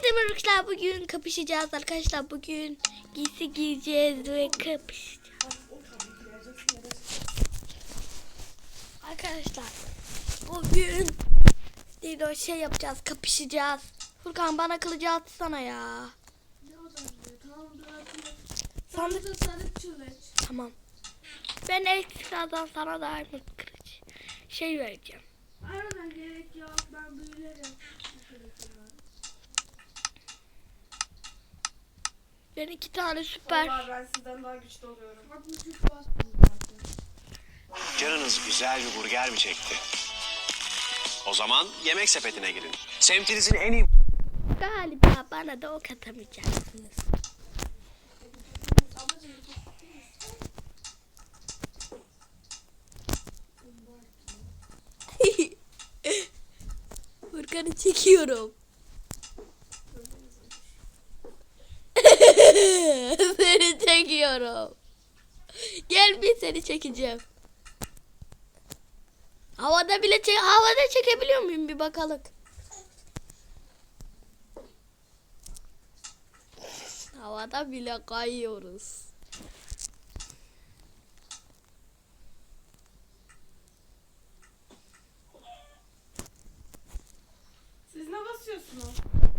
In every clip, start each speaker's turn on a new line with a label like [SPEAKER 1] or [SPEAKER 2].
[SPEAKER 1] Herkese merhaba arkadaşlar. Bugün kapışacağız arkadaşlar. Bugün giysi giyeceğiz ve kapışacağız. Arkadaşlar bugün Dino şey yapacağız, kapışacağız. Furkan bana kılıcı atsana ya. Sandık. Tamam. Ben ekstradan sana da armut kılıç şey vereceğim.
[SPEAKER 2] Aradan gerek yok, ben büyülerim.
[SPEAKER 1] Ben 2 tane süper.
[SPEAKER 2] Vallahi ben sizden daha güçlü oluyorum.
[SPEAKER 3] Canınız güzel bir burger mi çekti? O zaman yemek sepetine girin. Semtinizin en iyi...
[SPEAKER 1] Galiba bana da ok atamayacaksınız. Furkan'ı çekiyorum. Seni çekiyorum. Gel bir seni çekeceğim. Havada çekebiliyor muyum bir bakalım. Havada bile kayıyoruz.
[SPEAKER 2] Siz ne basıyorsunuz?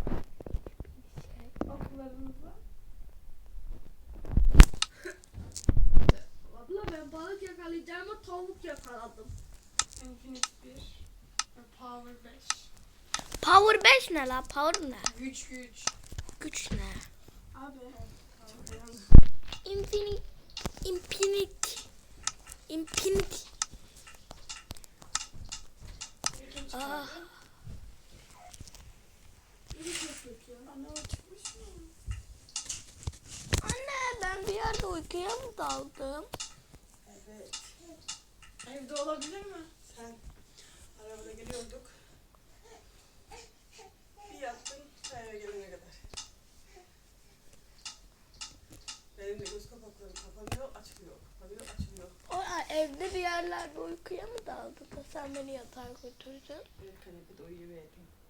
[SPEAKER 2] Oklarınızla. Abla ben balık yakalayacağıma tavuk yakaladım. Infinite 1 ve Power 5.
[SPEAKER 1] Power 5 ne la? Power ne?
[SPEAKER 2] Güç.
[SPEAKER 1] Güç ne?
[SPEAKER 2] Abi.
[SPEAKER 1] Infinite. Ah. Anne ben bir yerde uykuya mı daldım?
[SPEAKER 2] Evet. Evde olabilir mi? Sen arabada geliyorduk. Bir yattın eve gelene kadar. Benim de göz kapaklarım kapanıyor, açılıyor. Kapanıyor, açılıyor.
[SPEAKER 1] Evde bir yerlerde uykuya mı daldın da sen beni yatağa götürdün?
[SPEAKER 2] Bir kanepede uyuyuverdin.